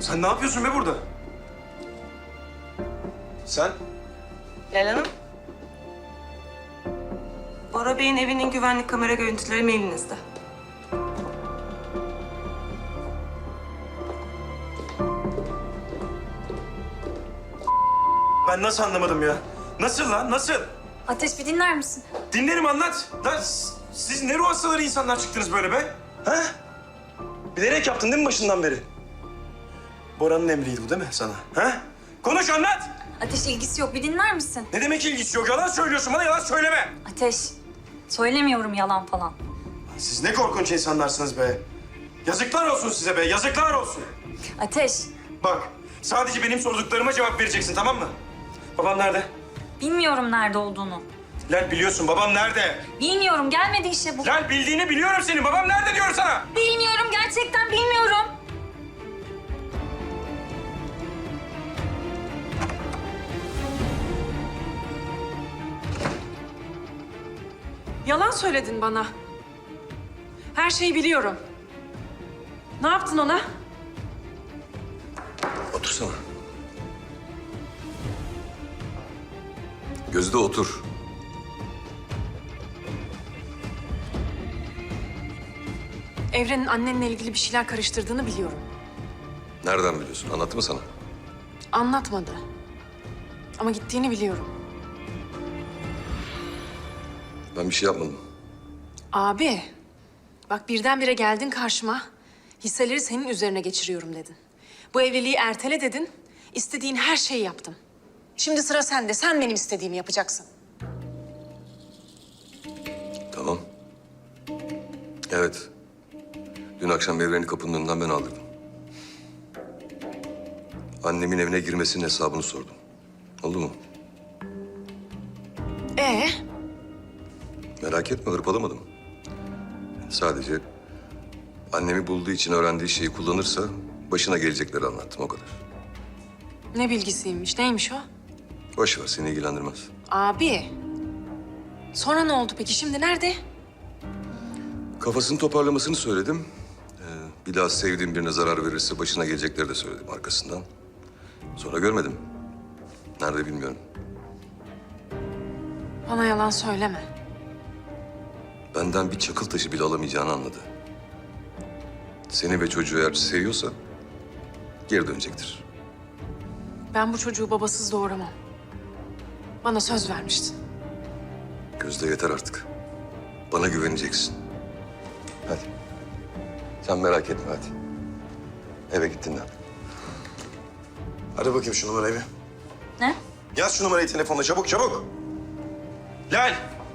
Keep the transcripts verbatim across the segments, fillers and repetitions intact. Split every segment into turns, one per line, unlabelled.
Sen ne yapıyorsun be burada? Sen?
Leyla Hanım. Bora Bey'in evinin güvenlik kamera görüntüleri mailinizde.
Ben nasıl anlamadım ya? Nasıl lan, nasıl?
Ateş bir dinler misin?
Dinlerim, anlat. Lan s- siz ne ruh hastaları insanlar çıktınız böyle be? Ha? Bilerek yaptın değil mi başından beri? Bora'nın emriydi bu değil mi sana? Ha? Konuş, anlat.
Ateş ilgisi yok bir dinler misin?
Ne demek ilgisi yok? Yalan söylüyorsun bana, yalan söyleme.
Ateş söylemiyorum yalan falan.
Siz ne korkunç insanlarsınız be. Yazıklar olsun size be, yazıklar olsun.
Ateş
Bak, sadece benim sorduklarıma cevap vereceksin, tamam mı? Babam nerede?
bilmiyorum nerede olduğunu.
Lan biliyorsun, babam nerede?
Bilmiyorum gelmedi işte bu.
Lan bildiğini biliyorum senin. Babam nerede diyorum sana?
Bilmiyorum gerçekten bilmiyorum.
Yalan söyledin bana. Her şeyi biliyorum. Ne yaptın ona?
Otursana. Gözde otur.
Evren'in annenle ilgili bir şeyler karıştırdığını biliyorum.
Nereden biliyorsun? Anlattı mı sana?
Anlatmadı. Ama gittiğini biliyorum.
Ben bir şey yapmadım.
Abi, bak birdenbire geldin karşıma. Hisseleri senin üzerine geçiriyorum dedin. Bu evliliği ertele dedin. İstediğin her şeyi yaptım. Şimdi sıra sende. Sen benim istediğimi yapacaksın.
Tamam. Evet. Dün akşam Evren'i kapının önünden ben aldırdım. Annemin evine girmesinin hesabını sordum. Oldu mu?
Ee,
Merak etme, hırpalamadım. Sadece annemi bulduğu için öğrendiği şeyi kullanırsa başına gelecekleri anlattım, o kadar.
ne bilgisiymiş? Neymiş o?
Boş ver, seni ilgilendirmez.
Abi, sonra ne oldu peki? Şimdi nerede?
Kafasını toparlamasını söyledim. Ee, bir daha sevdiğim birine zarar verirse başına gelecekleri de söyledim arkasından. Sonra görmedim. Nerede bilmiyorum.
Bana yalan söyleme.
Benden bir çakıl taşı bile alamayacağını anladı. Seni ve çocuğu eğer seviyorsa geri dönecektir.
Ben bu çocuğu babasız doğuramam. Bana söz vermiştin.
Gözde yeter artık. Bana güveneceksin. Hadi. Sen merak etme hadi. Eve git dinlen.
Hadi bakayım şu numarayı bir.
Ne?
Yaz şu numarayı telefonla, çabuk çabuk. Lal.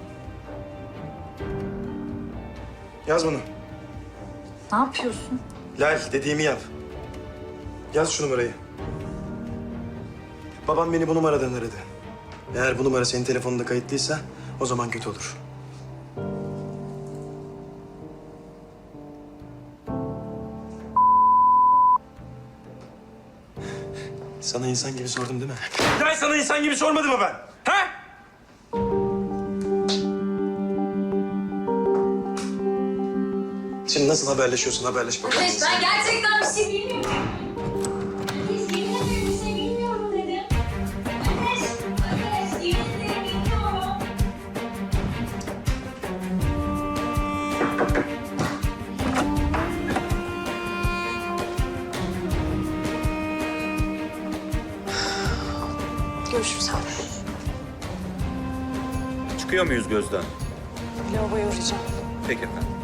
Yaz bunu.
Ne yapıyorsun?
Lal, dediğimi yap. Yaz şu numarayı. Babam beni bu numaradan aradı. Eğer bu numara senin telefonunda kayıtlıysa o zaman kötü olur. Sana insan gibi sordum değil mi? Lal, sana insan gibi sormadım mı ben? Ha? Şimdi nasıl haberleşiyorsun? Haberleş bakalım.
Ateş ben gerçekten bir şey bilmiyorum. Ateş yemin ederim bir şey bilmiyorum dedim. Ateş, Ateş yemin ederim bilmiyorum.
Görüşürüz abi.
Çıkıyor muyuz Gözden?
Lavaboya uğrayacağım.
Peki efendim.